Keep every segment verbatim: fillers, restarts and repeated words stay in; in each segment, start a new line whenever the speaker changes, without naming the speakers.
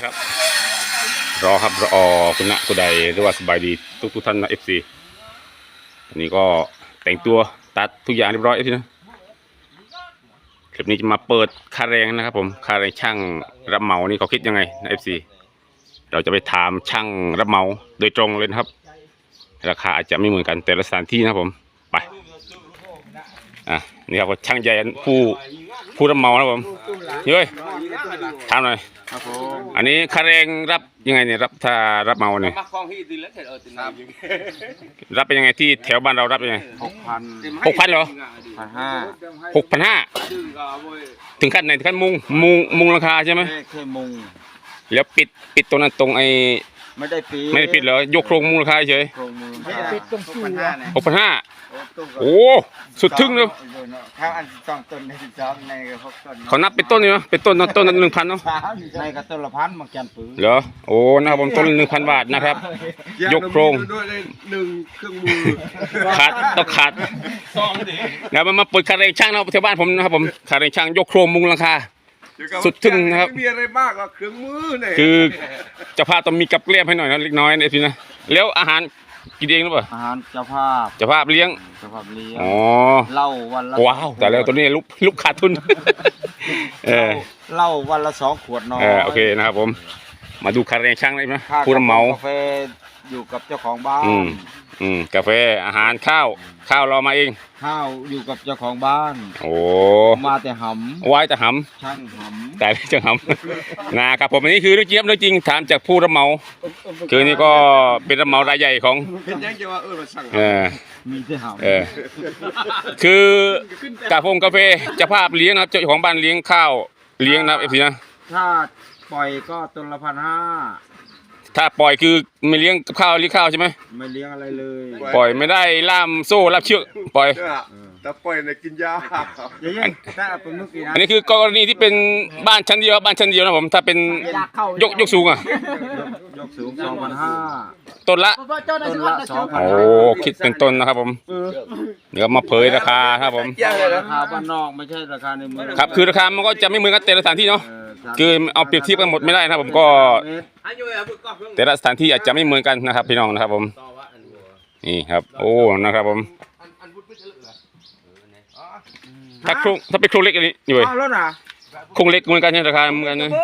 นะครับรอครับรอคุณนะคุณใดหรือว่าสบายดีทุกทุกท่านนะเอฟซีอันนี้ก็แต่งตัวตัดทุกอย่างเรียบร้อยเอฟซีนะคลิปนี้จะมาเปิดค่าแรงนะครับผมค่าแรงช่างรับเหมานี่เขาคิดยังไงนะเอฟซีเราจะไปถามช่างรับเหมาโดยตรงเลยนะครับราคาอาจจะไม่เหมือนกันแต่ละสถานที่นะครับผมไปอ่ะนี่ครับช่างใหญ่ผู้ผู้รับเหมานะครับผมเฮ้ยถามหน่อยอันนี้ค่าแรงรับยังไงเนี่ยรับถ้ารับเหมาเนี่ยรับเป็นยังไงที่แถวบ้านเรารับยังไง
หกพัน
หกพันเหรอ
พันห้า
หกพันห้าถึงขั้นไหนถึงขั้นมุงมุงมุงราคาใช่ไหม
แค่มุง
แล้วปิดปิดตรงนั้นตรงไอ้
ไม่ได้ปิด
ไม่ได้ปิดเหรอยกโครงมุงราคาเฉย
โครงมุงไม่ได้ปิดตรงตู้
หกพันห้าโอ้สุดทึ่งเลย
ข้าวอันสองต้นในสิบสองในหกต้น
เขานับเป็นต้นนี่เนาะเป็นต้นต้นหนึ่งพันเนาะ
ในกระต้นละพันมาแกนปืน
เหรอโอ้นะครับผมต้นหนึ่งพันบาทนะครับยกโครง
หนึ่งเครื่องมือ
ขาดต้องขาดแล้วมันมาเปิดคาเรงช่างนะแถวบ้านผมนะครับผมคาเรงช่างยกโครงมุงราคาสุดทึ่งนะครับ
ไม่มีอะไรมากหรอกเครื่องมือเนี่ย
คือเจ้าภาพต้องมีกับเกลี้ยให้หน่อยนะเล็กน้อยนะพี่นะแล้วอาหารกินเองหรือเปล่า
อาหารเจ้าภาพ
เจ้าภาพเลี้ยง
เจ้าภาพเลี้ยง
อ๋อ
เหล้าวันละ
ว้าวแต่แล้วตัวนี้ลุกลุกขาดทุนเออ
เหล้าวันละสองขวดน้อย
เออโอเคนะครับผมมาดูคาเรงช่างได้ไหมผู้รับเหมาก
าแฟอยู่กับเจ้าของบ้าน
อืมอืมกาแฟอาหารข้าวข้าวเรามาเอง
ข้าวอยู่กับเจ้าของบ้าน
โอ้
มาแต่หำ
ไว้แต่ห
ำช่างห
ำแต่ไม่ช่างหำนะครับผมอันนี้คือเรื่องจริงเรื่องจริงถามจากผู้รับเหมาคือนี่ก็เป็นรับเหมารายใหญ่ของ
เป็นยังจะว่าเออมาสั่ง
เออ
มีแต่หำ
เออคือกาแฟกาแฟเจ้าภาพเลี้ยงนะครับเจ้าของบ้านเลี้ยงข้าวเลี้ยงนะเอฟซีนะ
ถ้าปล่อยก็ต้นละพันห้า
ถ้าปล่อยคือไม่เลี้ยงกับข้าวเลี้ยงข้าวใช่ไหม
ไม่เลี้ยงอะไรเลย
ปล่อยไม่ได้ล่ามโซ่ล่ามเชือกปล่อย
แต่ปล่อยในกินยา
อันนี้คือกรณีที่เป็นบ้านชั้นเดียวบ้านชั้นเดียวนะผมถ้าเป็นยกยกสูงอ่ะ
ยกสูงสองพันห้า
ต้นละ
ต้นละสองพัน
โอ้คิดเป็นต้นนะครับผมเดี๋ยวมาเผยราคาครับผม
ราคาบ้านนอกไม่ใช่ราคาในเมือง
ครับคือราคามันก็จะไม่เหมือนกันแต่ละสถานที่เนาะคือเอาเปรียบเทียบกันหมดไม่ได้นะผมก็แต่ละสถานที่อาจจะไม่เหมือนกันนะครับพี่น้องนะครับผมนี่ครับโอ้นะครับผมถ้าโครงถ้าเป็นโครงเล็กอันนี้อยู่เลยโครงเล็กเหมือนกันใช่ราคาเหมือนกันนะ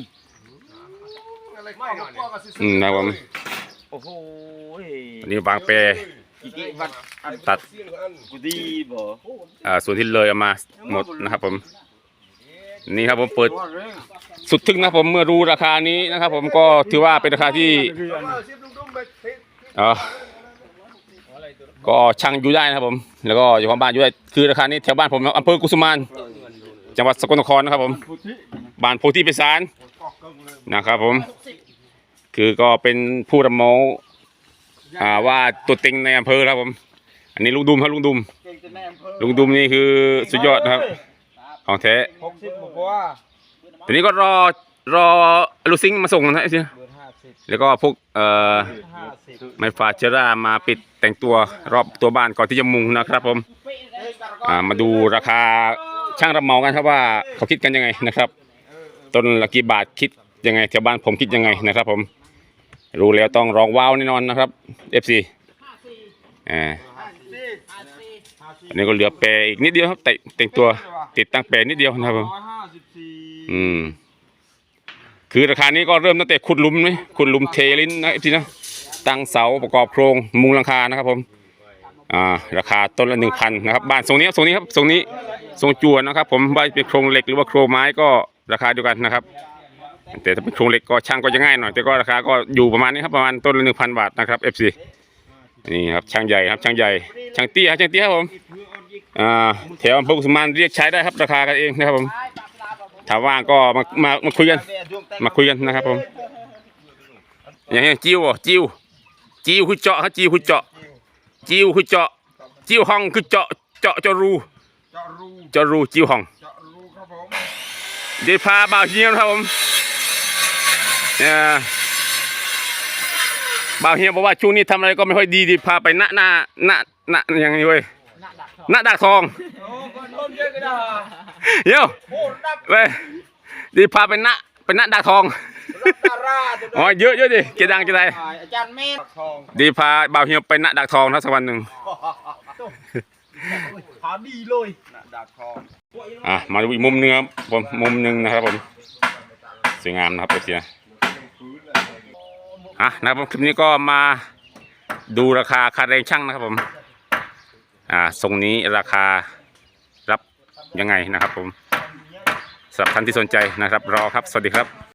อืมนะครับผม
โอ้โห
อันนี้วางแปรตัดอ่าส่วนที่เลยเอามาหมดนะครับผมนี่ครับผมเปิดสุดทึ่งนะผมเมื่อรู้ราคานี้นะครับผมก็ถือว่าเป็นราคาที่อ๋อก็ช่างอยู่ได้นะครับผมแล้วก็อยู่ของบ้านอยู่ได้คือราคานี้แถวบ้านผมอำเภอกุสุมานจังหวัดสกลนครนะครับผมบ้านโพธิพิสารนะครับผมคือก็เป็นผู้รับเหมาอ่าว่าตัวเต็งในอำเภอครับผมอันนี้ลุงดุมครับลุงดุมลุงดุมนี่คือสุดยอดนะครับของแท้ทีนี้ก็รอรอลูซิงมาส่งนะไอ้สิแล้วก็พวกเอ่อไม้ฟาเชอร่ามาปิดแต่งตัวรอบตัวบ้านก่อนที่จะมุงนะครับผมอ่ามาดูราคาช่างรับเหมากันครับว่าเขาคิดกันยังไงนะครับต้นละกี่บาทคิดยังไงแถวบ้านผมคิดยังไงนะครับผมรู้แล้วต้องร้องว้าวแน่นอนนะครับ เอฟ ซี อ่าอันนี้ก็เหลือแปรอีกนิดเดียวครับแต่แต่งตัวติดตั้งแปรนิดเดียวนะครับผมอืมคือราคานี้ก็เริ่มตั้งแต่ขุดหลุมไหมขุดหลุมเทลิ้นนะทีนะตั้งเสาประกอบโครงมุงหลังคานะครับผมอ่าราคาต้นละหนึ่งพันนะครับบ้านทรงนี้ทรงนี้ครับทรงนี้ทรงจวนนะครับผมว่าเป็นโครงเหล็กหรือว่าโครงไม้ก็ราคาเดียวกันนะครับแต่ถ้าเป็นโครงเหล็กก็ช่างก็จะง่ายหน่อยแต่ก็ราคาก็อยู่ประมาณนี้ครับประมาณต้นละหนึ่งพันบาทนะครับ เอฟ ซี นี่ครับช่างใหญ่ครับช่างใหญ่ช่างเตี้ยช่างเตี้ยครับผมอ่าแถวอำเภอกุสุมานเรียกใช้ได้ครับราคากันเองนะครับผมถ้าว่างก็มามามาคุยกันมาคุยกันนะครับผมอย่างนี้จิ้วจิ้วจิ้วคือเจาะครับจิ้วคือเจาะจิ้วคือเจาะจิ้วห้องคือเจาะเจาะเจาะรูเจาะรูจิ้วห้องเดี๋ยวพาบ่าวเฮียครับผมเนี่ยบ่าวเฮียบอกว่าช่วงนี้ทำอะไรก็ไม่ค่อยดีดิพาไปณหน้าณณอย่างนี้เว้ยณดักทองเดี๋ยวไปดีพาไปณไปณดักทอง
ราช
อ๋อเยอะเยอะดิเกดังจะได้
อาจารย์เมธทอง
ดีพาบ่าวเฮียไปณดักทองนะสักวันหนึ่ง
พาดีเลยนะดาบทอง
อ่ะมาดูอีกมุมหนึงครับผมมุมหนึ่งนะครับผมสวยงามนะครับเอฟซีนะอ่ะนะครับผมคลิปนี้ก็มาดูราคาค่าแรงช่างนะครับผมอ่าทรงนี้ราคารับยังไงนะครับผมสำหรับท่านที่สนใจนะครับรอครับสวัสดีครับ